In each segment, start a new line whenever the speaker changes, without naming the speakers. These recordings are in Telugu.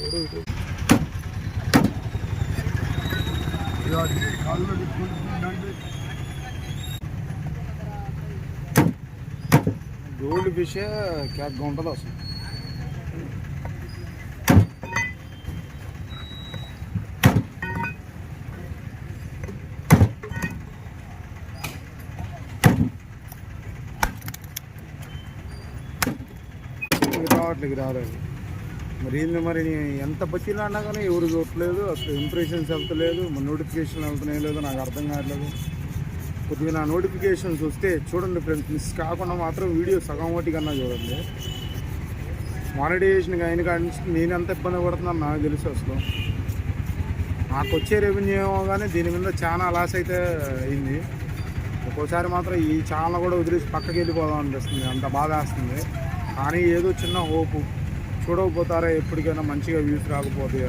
గోల్డ్ ఫిష్ క్యాట్గా ఉంటుంది అసలు. రావట్లేదు రాలేదు మరి ఏంది మరి ఎంత బతిలా అన్నా కానీ ఎవరు చూడట్లేదు అసలు. ఇంప్రెషన్స్ వెళ్తలేదు, నోటిఫికేషన్ వెళ్తున్నాయి లేదు నాకు అర్థం కావట్లేదు. కొద్దిగా నా నోటిఫికేషన్స్ వస్తే చూడండి ఫ్రెండ్స్, మిస్ కాకుండా మాత్రం వీడియో సగం ఒకటి కన్నా చూడండి. మానిటైజేషన్ అయిన కాడి నుంచి నేను ఎంత ఇబ్బంది పడుతున్నాను నాకు తెలుసు. అసలు నాకు వచ్చే రెవెన్యూ ఏమో కానీ దీని మీద చాలా లాస్ అయితే అయింది. ఒక్కోసారి మాత్రం ఈ ఛానల్ కూడా వదిలేసి పక్కకి వెళ్ళిపోదాం అనిపిస్తుంది, అంత బాధ వేస్తుంది. కానీ ఏదో చిన్న హోపు, చూడకపోతారా ఎప్పటికైనా మంచిగా వ్యూస్ రాకపోతాయి.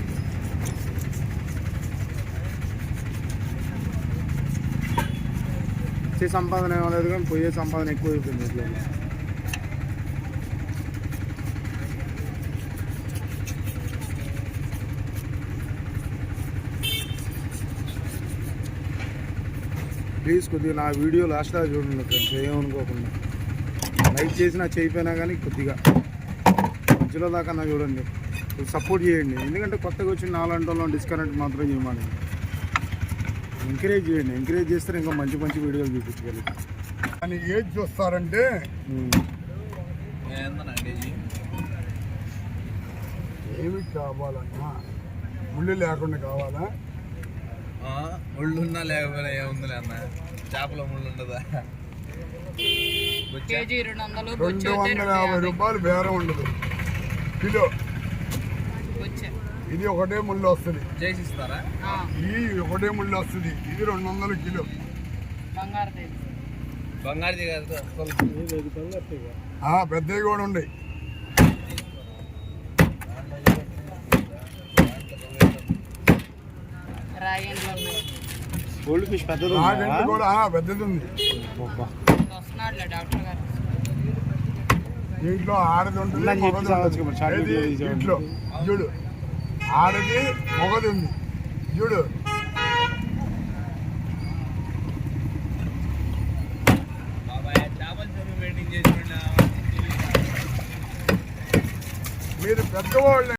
వచ్చే సంపాదన ఏమలేదు కానీ పోయే సంపాదన ఎక్కువ అయిపోయింది. ఇట్లా ప్లీజ్ కొద్దిగా నా వీడియో లాస్ట్ దాకా చూడండి ఫ్రెండ్స్, ఏమనుకోకుండా. లైక్ చేసినా చేయకపోయినా కానీ కొద్దిగా మధ్యలో దాకా నా చూడండి, సపోర్ట్ చేయండి. ఎందుకంటే కొత్తగా వచ్చిన 4 గంటల్లో డిస్కనెక్ట్ మాత్రం చేయమని ఎంకరేజ్ చేయండి. ఎంకరేజ్ చేస్తే ఇంకా మంచి మంచి వీడియోలు చూపించగలుగుతాం.
అని ఏది చూస్తారంటే ఏమి కావాలన్నా ముళ్ళు లేకుండా కావాలా?
ముళ్ళున్నా లేకపోయినా ఏముందిలే అన్న, చేపలో ముళ్ళు ఉండదా?
250 రూపాయలు బేరం ఉండదు కిలో. ఇది ఒకటే ముళ్ళు వస్తుంది,
చేసిస్తారా?
ఈ ఒకటే ముళ్ళు వస్తుంది, ఇది 200 కిలో.
బంగారు
పెద్దవి కూడా ఉన్నాయి.
గోల్డ్ ఫిష్ పెద్దది
కూడా పెద్దది ఉంది. దీంట్లో ఆడది ఉంటుంది, దీంట్లో చూడు ఆడది మొగది ఉంది చూడు. మీరు పెద్దవాళ్ళు